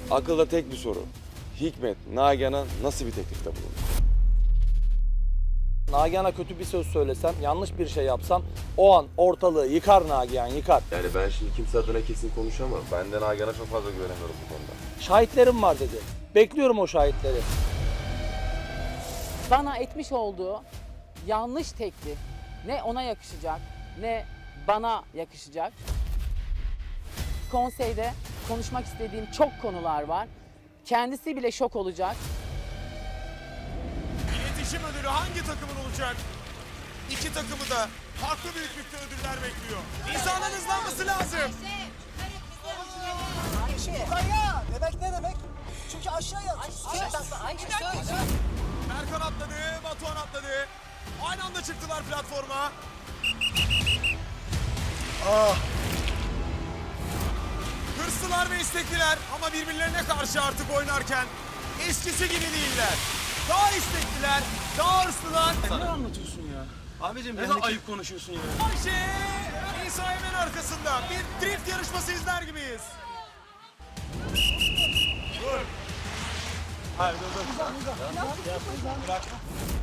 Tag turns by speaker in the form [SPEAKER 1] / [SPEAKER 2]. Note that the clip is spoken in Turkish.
[SPEAKER 1] Akılda tek bir soru. Hikmet, Nagihan'a nasıl bir teklifte bulundu?
[SPEAKER 2] Nagihan'a kötü bir söz söylesem, yanlış bir şey yapsam o an ortalığı yıkar Nagihan, yıkar.
[SPEAKER 1] Yani ben şimdi kimse adına kesin konuşamam. Ben de Nagihan'a çok fazla güvenemiyorum bu konuda.
[SPEAKER 2] Şahitlerim var dedi. Bekliyorum o şahitleri.
[SPEAKER 3] Bana etmiş olduğu yanlış teklif ne ona yakışacak ne bana yakışacak. Konseyde konuşmak istediğim çok konular var. Kendisi bile şok olacak.
[SPEAKER 4] İletişim ödülü hangi takımın olacak? İki takımı da farklı büyüklükte ödüller bekliyor. İnsanın hızlanması lazım.
[SPEAKER 5] Yukarıya demek ne demek? Çünkü aşağıya.
[SPEAKER 4] Erkan atladı, Batuhan atladı. Aynı anda çıktılar platforma. Hırslılar ve istekliler ama birbirlerine karşı artık oynarken eskisi gibi değiller. Daha istekliler, daha hırslılar.
[SPEAKER 6] Ne anlatıyorsun ya? Abicim ne kadar ayıp konuşuyorsun ya.
[SPEAKER 4] Ayşe, İsa hemen arkasında. Bir drift yarışması izler gibiyiz. Dur. Hayır dur. Bırak.